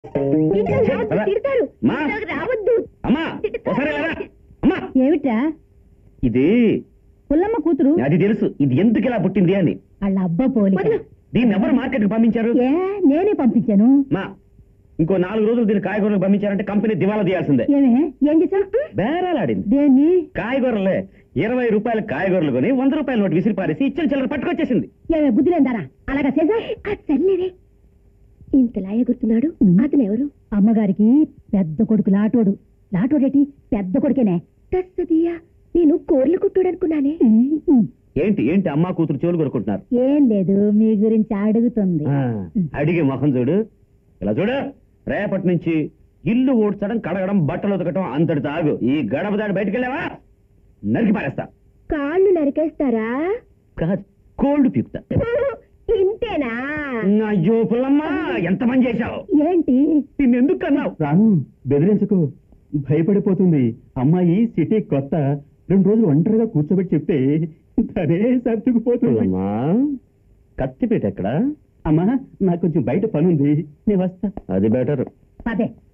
రావద్దు. ఏమిటా ఇది? పుల్లమ్మ కూతురు. అది తెలుసు. ఇది ఎందుకు ఇలా పుట్టింది అని. వాళ్ళ అబ్బా పోలి. దీన్ని ఎవరు మార్కెట్ కి పంపించారు? నేనే పంపించాను. మా ఇంకో 4 రోజులు దీన్ని కాయగూరలకు పంపించారంటే కంపెనీ దివాలా తీయాల్సిందే. ఏం చేసావు? బేరాలాడింది. దేన్ని? కాయగూరలే. 20 రూపాయలు కాయగూరలు కొని 100 రూపాయల నోటు విసిరి పారేసి ఇచ్చిన చిల్లర పట్టుకొచ్చేసింది. బుద్ధి లేదారా? అలాగా చేసా? సర్లేరే, ఇంతలా ఎగురుతున్నాడు. అతను ఎవరు? అమ్మగారికి పెద్ద కొడుకు లాటోడు. లాటోడేటి పెద్ద కొడుకేనే. తస్సదియా, నేను కోర్లు కుట్టుడు అనుకున్నానే. ఏంటి ఏంటి అమ్మా కూతురు చెవులు కొరుకుంటున్నారు? ఏం లేదు, మీ గురించి అడుగుతుంది. అడిగే మొహం చూడు. ఇలా చూడు, రేపటి నుంచి ఇల్లు ఊడ్చడం, కడగడం, బట్టలు ఉతకటం అంతటి తాగు. ఈ గడప దాడి బయటకు వెళ్ళావా నరికి పారేస్తా. కాళ్ళు నరికేస్తారా? కాదు, కోల్డ్ పీకుతా. ఇంతేనా? అయ్యో పుల్లమ్మా, ఎంత పని చేశావు? ఏంటి నిన్నెందుకు కన్నావు? రాను, బెదిరించకు. భయపడిపోతుంది. అమ్మాయి సిటీ కొత్త. 2 రోజులు ఒంటరిగా కూర్చోబెట్టి చెప్తే తనే సర్దుకుపోతుంది. కత్తిపేట ఎక్కడ? అమ్మా, నాకు కొంచెం బయట పనుంది, నేను వస్తా. అది బెటర్. పదే